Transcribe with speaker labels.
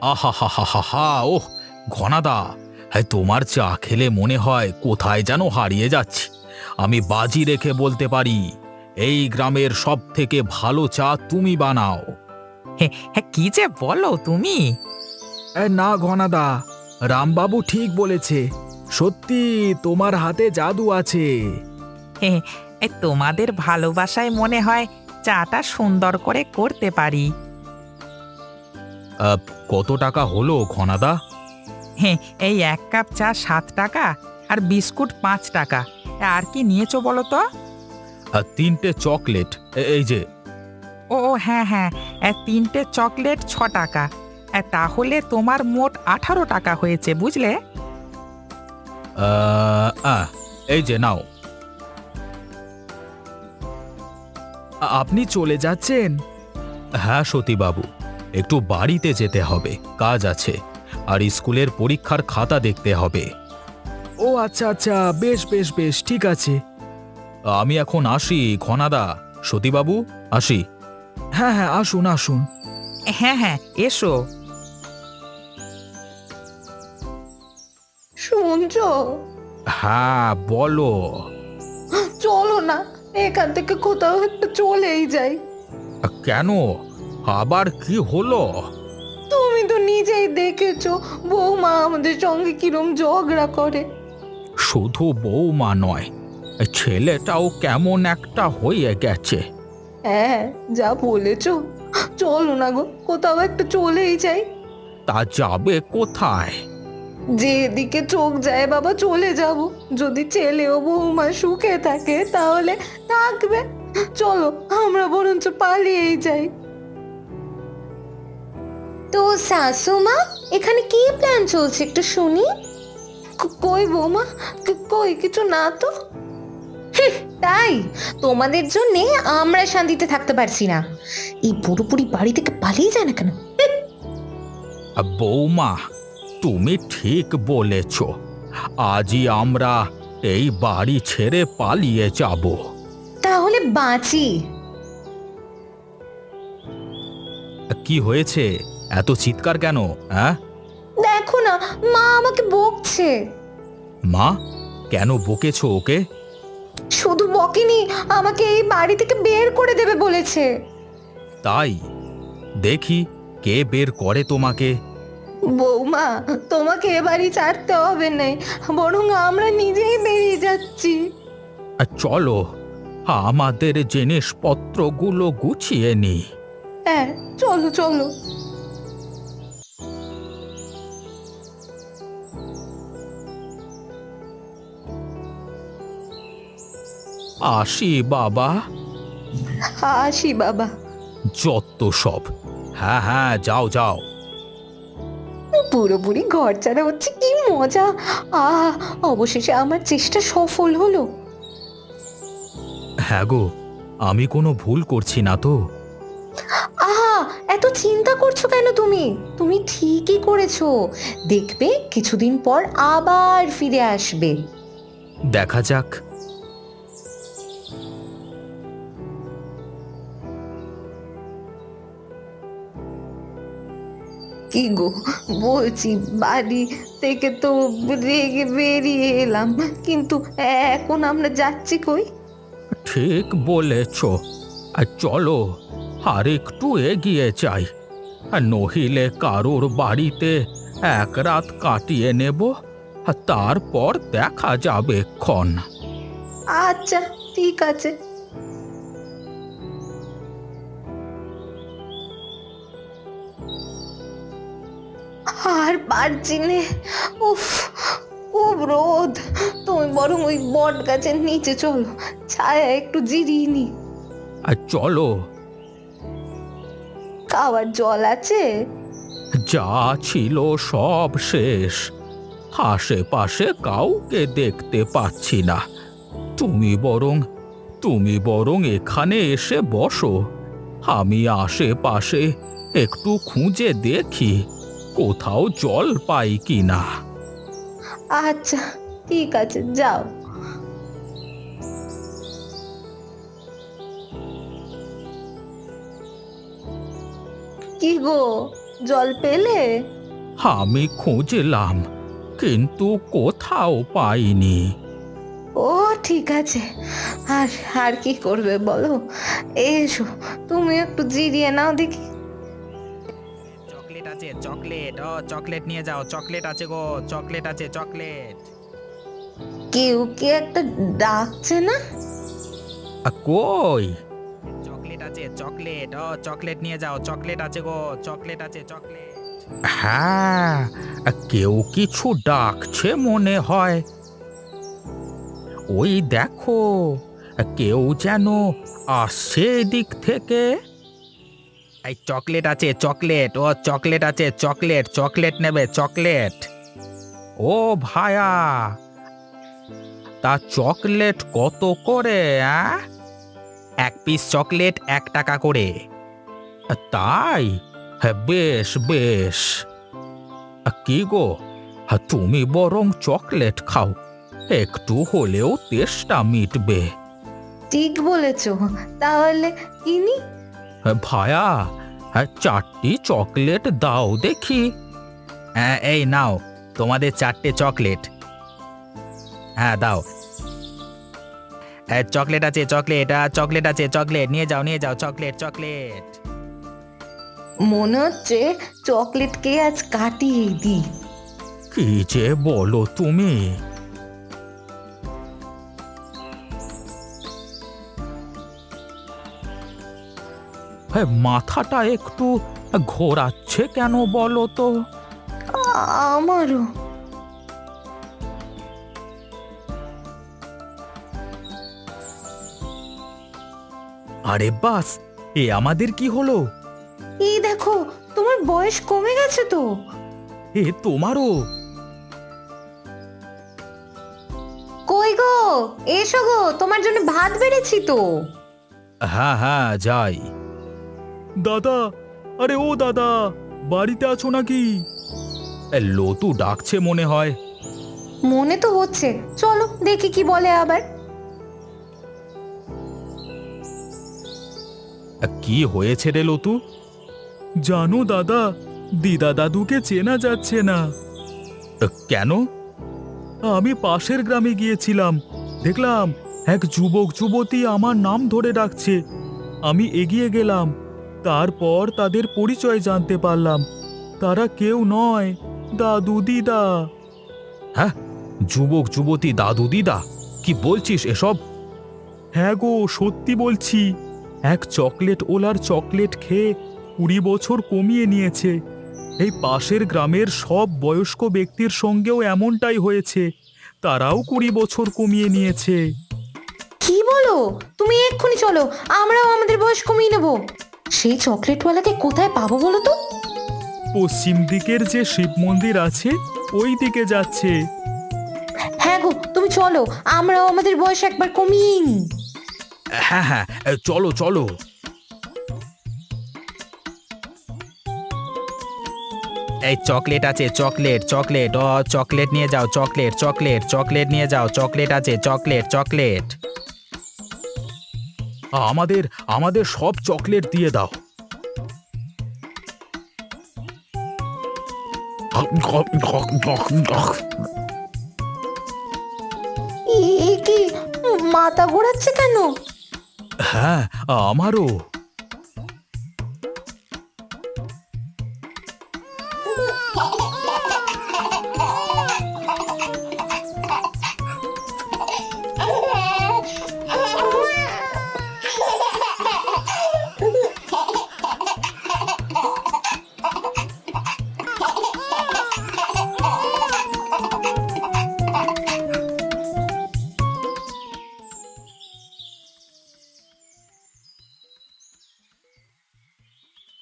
Speaker 1: আহা হা হা হা হা! ওহ ঘনাদা, হ্যাঁ, তোমার চা খেলে মনে হয় কোথায় যেন হারিয়ে যাচ্ছি। আমি বাজি রেখে বলতে পারি, এই গ্রামের সব থেকে ভালো চা তুমি বানাও।
Speaker 2: হ্যাঁ হ্যাঁ, কি যে বলো তুমি!
Speaker 3: না ঘনাদা, রামবাবু ঠিক বলেছে। সত্যি তোমার হাতে জাদু আছে।
Speaker 2: হ্যাঁ, তোমাদের ভালোবাসায় মনে হয় চাটা সুন্দর করে করতে পারি।
Speaker 1: কত টাকা হলো ঘনাদা?
Speaker 2: হ্যাঁ, এই 1 কাপ চা 7 টাকা, আর বিস্কুট 5 টাকা। আর কি নিয়েছো বলো তো?
Speaker 1: 3টে চকলেট, এই যে।
Speaker 2: ও ও, হ্যাঁ হ্যাঁ, 3টে চকলেট 6 টাকা। তাহলে তোমার মোট 18 টাকা হয়েছে, বুঝলে?
Speaker 1: এই যে নাও।
Speaker 3: আপনি চলে যাচ্ছেন?
Speaker 1: হ্যাঁ সতীবাবু, একটু বাড়িতে যেতে হবে, কাজ আছে, আর স্কুলের পরীক্ষার খাতা দেখতে হবে।
Speaker 3: ও আচ্ছা আচ্ছা, বেশ বেশ বেশ, ঠিক আছে।
Speaker 1: আমি এখন আসি ঘনাদা, সতীবাবু, আসি।
Speaker 3: হ্যাঁ হ্যাঁ, আসুন আসুন।
Speaker 2: হ্যাঁ হ্যাঁ, এসো।
Speaker 4: শুনছো?
Speaker 1: হ্যাঁ বলো।
Speaker 4: চলো না, এখান থেকে কোথাও একটু চলেই যাই।
Speaker 1: কেন, আবার কি হলো?
Speaker 4: তুমি তো নিজেই দেখেছো বৌমা আমাদের সঙ্গে কিরম ঝগড়া করে।
Speaker 1: শুধু বৌমা নয়, ছেলেটাও কেমন একটা হয়ে গেছে।
Speaker 4: হ্যাঁ, যা বলেছো। চলো না গো, কোথাও একটা চলেই যাই।
Speaker 1: তা যাবে কোথায়?
Speaker 4: যেদিকে চোখ যায় বাবা চলে যাব। যদি ছেলে ও বৌমা সুখে থাকে তাহলে থাকবে। চলো আমরা বরঞ্চ পালিয়েই যাই। তো শাশুমা, এখানে কি প্ল্যান চলছে একটু শুনি। কই বৌমা, কই কিছু না তো। তাই তোমাদের জন্য আমরা শান্তিতে থাকতে পারছি না। এই পুরোপুরি বাড়ি থেকে পালিয়ে যায় না কেন?
Speaker 1: বৌমা, তুমি ঠিক বলেছ, আজই আমরা এই বাড়ি ছেড়ে পালিয়ে যাব।
Speaker 4: তাহলে বাঁচি।
Speaker 1: কি হয়েছে, এত চিৎকার কেন? হ্যাঁ,
Speaker 4: দেখো না, মা আমাকে বকছে।
Speaker 1: মা, কেন বকেছো ওকে?
Speaker 4: শুধু বকেনি, আমাকে এই বাড়ি থেকে বের করে দেবে বলেছে।
Speaker 1: তাই, দেখি কে বের করে তোমাকে।
Speaker 4: বৌমা, তোমাকে এ বাড়ি ছাড়তে হবে না, বরং আমরা নিজেই বেরিয়ে যাচ্ছি।
Speaker 1: চলো, আমাদের জিনিসপত্রগুলো গুছিয়ে নি।
Speaker 4: হ্যাঁ, চলো চলো।
Speaker 1: আসি বাবা।
Speaker 4: আসি বাবা।
Speaker 1: যত সব। হ্যাঁ হ্যাঁ, যাও যাও।
Speaker 4: পুরোপুরি ঘর ছাড়া হচ্ছে, কি মজা। অবশেষে আমার চেষ্টা সফল হলো।
Speaker 1: হ্যাঁ গো, আমি কোনো ভুল করছি না তো?
Speaker 4: আহা, এত চিন্তা করছো কেন তুমি? তুমি ঠিকই করেছো। দেখবে কিছুদিন পর আবার ফিরে আসবে।
Speaker 1: দেখা যাক।
Speaker 4: কি গো, বলছি বাড়ি থেকে তো রেগে বেরিয়ে এলাম, কিন্তু এখন আমরা যাচ্ছি কই?
Speaker 1: ঠিক বলেছ, আর চলো আর একটু এগিয়ে যাই, আর নহিলে কারোর বাড়িতে এক রাত কাটিয়ে নেব, আর তারপর দেখা যাবে ক্ষণ।
Speaker 4: আচ্ছা, ঠিক আছে। আর পারছি নে, উফ, খুব রোদ। তুমি বরং ওই বট গাছের নিচে চলো, ছায়া একটু জিরিয়ে নি।
Speaker 1: আর চলো।
Speaker 4: খাওয়ার জল আছে?
Speaker 1: যা ছিল সব শেষ, আশেপাশে কাউকে দেখতে পাচ্ছি না। তুমি বরং এখানে এসে বসো, আমি আশেপাশে একটু খুঁজে দেখি কোথাও জল পাই কিনা।
Speaker 4: আচ্ছা, ঠিক আছে, যাও। কি গো, জল পেলে?
Speaker 1: আমি খুঁজলাম, কিন্তু কোথাও পাইনি।
Speaker 4: ও ঠিক আছে, আর আর কি করবে বলো? এসো, তুমি একটু জিরিয়ে নাও দেখি।
Speaker 2: চকলেট আছে, চকলেট। ও চকলেট নিয়ে যাও, চকলেট আছে গো, চকলেট আছে, চকলেট।
Speaker 4: কেউ কি একটা ডাকছে না?
Speaker 1: কই?
Speaker 2: চকলেট আছে, চকলেট। ও চকলেট নিয়ে যাও, চকলেট আছে গো, চকলেট আছে, চকলেট।
Speaker 1: হ্যাঁ, কেউ কিছু ডাকছে মনে হয়। ওই দেখো, কেউ যেন আসছে এদিক থেকে।
Speaker 2: এই চকলেট আছে, চকলেট। ও চকলেট আছে, চকলেট, চকলেট নেবে, চকলেট।
Speaker 1: ও ভায়া, তা চকলেট কত করে?
Speaker 2: এক পিস চকলেট 1 টাকা করে।
Speaker 1: তাই? হ্যাঁ, বেশ বেশ। কি গো, তুমি বরং চকলেট খাও, একটু হলেও তেষ্টা মিটবে।
Speaker 4: ঠিক বলেছো, তাহলে কিনি।
Speaker 1: ভায়া, 4টি চকলেট দাও দেখি।
Speaker 2: হ্যাঁ, এই নাও তোমাদের 4টে চকলেট। হ্যাঁ দাও। চকলেট আছে, চকলেট। চকলেট আছে, চকলেট নিয়ে যাও, নিয়ে যাও, চকলেট, চকলেট।
Speaker 4: মনে হচ্ছে চকলেটকে আজ কাটিয়ে দিই।
Speaker 1: কি যে বলো তুমি! মাথাটা একটু ঘোরাচ্ছে কেন বলো তো?
Speaker 4: আমারও।
Speaker 1: আরে বাস, এ আমাদের কি হলো?
Speaker 4: এই দেখো, তোমার বয়স কমে গেছে তো।
Speaker 1: এ তোমারও?
Speaker 4: কই গো, এসো গো, তোমার জন্য ভাত বেড়েছি তো।
Speaker 1: হ্যাঁ হ্যাঁ, যাই।
Speaker 3: দাদা, আরে ও দাদা, বাড়িতে আছো নাকি?
Speaker 1: লতু ডাকছে মনে হয়।
Speaker 4: মনে তো হচ্ছে, চলো দেখি কি বলে আবার।
Speaker 1: কি হয়েছে রে লতু?
Speaker 3: জানো দাদা, দিদা দাদুকে চেনা যাচ্ছে না।
Speaker 1: কেন?
Speaker 3: আমি পাশের গ্রামে গিয়েছিলাম, দেখলাম এক যুবক যুবতী আমার নাম ধরে ডাকছে। আমি এগিয়ে গেলাম, তারপর তাদের পরিচয় জানতে পারলাম। তারা কেউ নয়, দাদু দিদা।
Speaker 1: হ্যাঁ, যুবক যুবতী দাদু দিদা? কি বলছিস এসব?
Speaker 3: হ্যাঁ গো, সত্যি বলছি। এক চকলেট ওলার চকলেট খেয়ে 20 বছর কমিয়ে নিয়েছে। এই পাশের গ্রামের সব বয়স্ক ব্যক্তির সঙ্গেও এমনটাই হয়েছে, তারাও 20 বছর কমিয়ে নিয়েছে।
Speaker 4: কি বলো? তুমি এক্ষুনি চলো, আমরাও আমাদের বয়স কমিয়ে নেব। সেই চকলেটওয়ালাকে কোথায় পাবো বলো তো?
Speaker 3: পশ্চিম দিকের যে শিব মন্দির আছে, ওই দিকে যাচ্ছে।
Speaker 4: হ্যাঁ গো, তুমি চলো, আমরাও আমাদের বয়স একবার কমিয়ে নিই।
Speaker 1: হ্যাঁ হ্যাঁ, চলো চলো।
Speaker 2: এই চকলেট আছে, চকলেট, চকলেট। ও চকলেট নিয়ে যাও, চকলেট, চকলেট, চকলেট নিয়ে যাও, চকলেট আছে, চকলেট, চকলেট।
Speaker 1: আমাদের আমাদের সব চকলেট দিয়ে দাও।
Speaker 4: এ কি, মাথা ঘোরাচ্ছে কেন?
Speaker 1: হ্যাঁ, আমারও।